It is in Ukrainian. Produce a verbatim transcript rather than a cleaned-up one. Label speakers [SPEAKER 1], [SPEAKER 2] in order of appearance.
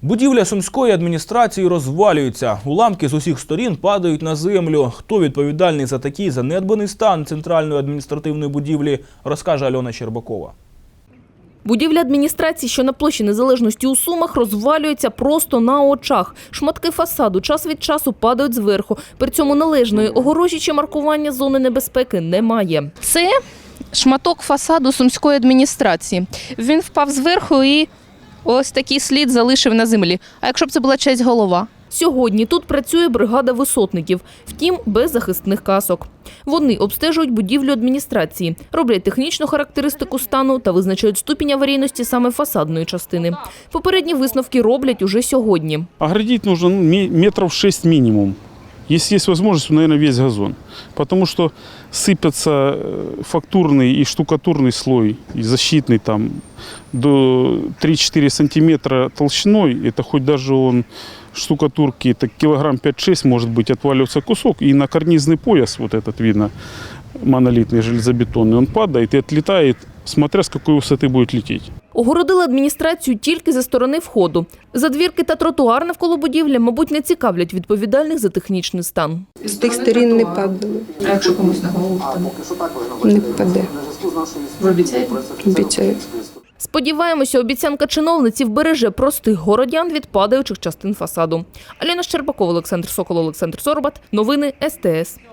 [SPEAKER 1] Будівля сумської адміністрації розвалюється. Уламки з усіх сторін падають на землю. Хто відповідальний за такий занедбаний стан центральної адміністративної будівлі, розкаже Альона Щербакова.
[SPEAKER 2] Будівля адміністрації, що на площі Незалежності у Сумах, розвалюється просто на очах. Шматки фасаду час від часу падають зверху. При цьому належної огорожі чи маркування зони небезпеки немає. Це шматок фасаду сумської адміністрації. Він впав зверху і ось такий слід залишив на землі. А якщо б це була чиясь голова? Сьогодні тут працює бригада висотників, втім без захисних касок. Вони обстежують будівлю адміністрації, роблять технічну характеристику стану та визначають ступінь аварійності саме фасадної частини. Попередні висновки роблять уже сьогодні.
[SPEAKER 3] Оградить нужно метров шесть минимум. Если есть возможность, то, наверное, весь газон. Потому что сыпется фактурный и штукатурный слой, и защитный там до три-четыре сантиметра толщиной. Это хоть даже он штукатурки, это килограмм пять-шесть может быть, отваливается кусок. И на карнизный пояс, вот этот видно, монолитный железобетонный, он падает и отлетает, смотря с какой высоты будет лететь.
[SPEAKER 2] Огородили адміністрацію тільки зі сторони входу. Задвірки та тротуар навколо будівлі, мабуть, не цікавлять відповідальних за технічний стан.
[SPEAKER 4] З тих сторін не падало.
[SPEAKER 5] А якщо комусь на голову впаде?
[SPEAKER 4] Не впаде.
[SPEAKER 5] Ви обіцяєте?
[SPEAKER 4] Обіцяю.
[SPEAKER 2] Сподіваємося, обіцянка чиновниці вбереже простих городян від падаючих частин фасаду. Альона Щербакова, Олександр Сокол, Олександр Сорбат. Новини ес те ес.